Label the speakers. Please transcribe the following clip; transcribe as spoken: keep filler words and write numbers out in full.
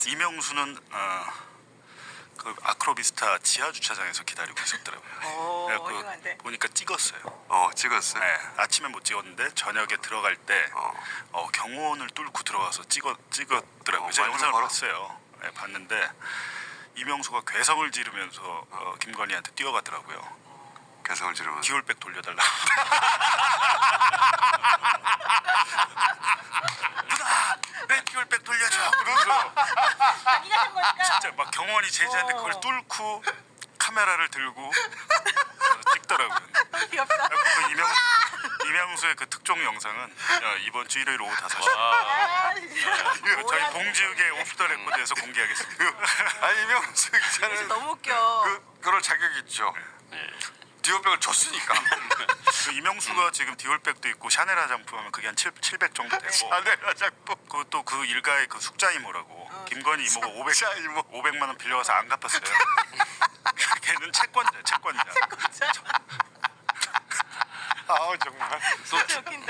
Speaker 1: 이명수는 어, 그 아크로비스타 지하 주차장에서 기다리고 있었더라고요.
Speaker 2: 오,
Speaker 1: 그래갖고
Speaker 2: 훌륭한데.
Speaker 1: 보니까 찍었어요.
Speaker 3: 어 찍었어요.
Speaker 1: 네, 아침에 못 찍었는데 저녁에 들어갈 때
Speaker 3: 어.
Speaker 1: 어, 경호원을 뚫고 들어가서 찍었 찍었더라고요.
Speaker 3: 어,
Speaker 1: 제가
Speaker 3: 많이
Speaker 1: 영상을
Speaker 3: 바로?
Speaker 1: 봤어요. 네, 봤는데 이명수가 괴성을 지르면서 어, 김건희한테 뛰어가더라고요.
Speaker 3: 개성을 지르면서.
Speaker 1: 디올백 돌려달라. 누나, 내 디올백 돌려줘. 그러면서
Speaker 2: 자기가 한 거니까.
Speaker 1: 진짜 막 경호원이 제지한테 그걸
Speaker 2: 어.
Speaker 1: 뚫고 카메라를 들고 그래서 찍더라고요.
Speaker 2: 귀엽다.
Speaker 1: 그 이명 이명수의 그 특종 영상은 야, 이번 주 일요일 오후 다섯 시
Speaker 2: 아, 진짜.
Speaker 1: 저희
Speaker 2: 뭐야,
Speaker 1: 봉지욱의 오프더 레코드에서 공개하겠습니다.
Speaker 3: 아니 이명수
Speaker 2: 진짜
Speaker 3: 기자는
Speaker 2: 너무 웃겨.
Speaker 3: 그 그럴 자격이 있죠. 디오백을 줬으니까.
Speaker 1: 그 이명수가 지금 디올백도 있고 샤넬 화장품 하면 그게 한 칠백 정도 되고
Speaker 3: 아네 화장품.
Speaker 1: 그것도 그 일가의 그 숙자 이모라고
Speaker 2: 어,
Speaker 1: 김건희 이모가 오백
Speaker 3: 숙자 이모.
Speaker 1: 오백만 원 빌려가서 안 갚았어요. 걔는 채권자 채권자.
Speaker 2: 진짜.
Speaker 3: 아우 정말.
Speaker 2: 진짜 웃긴다.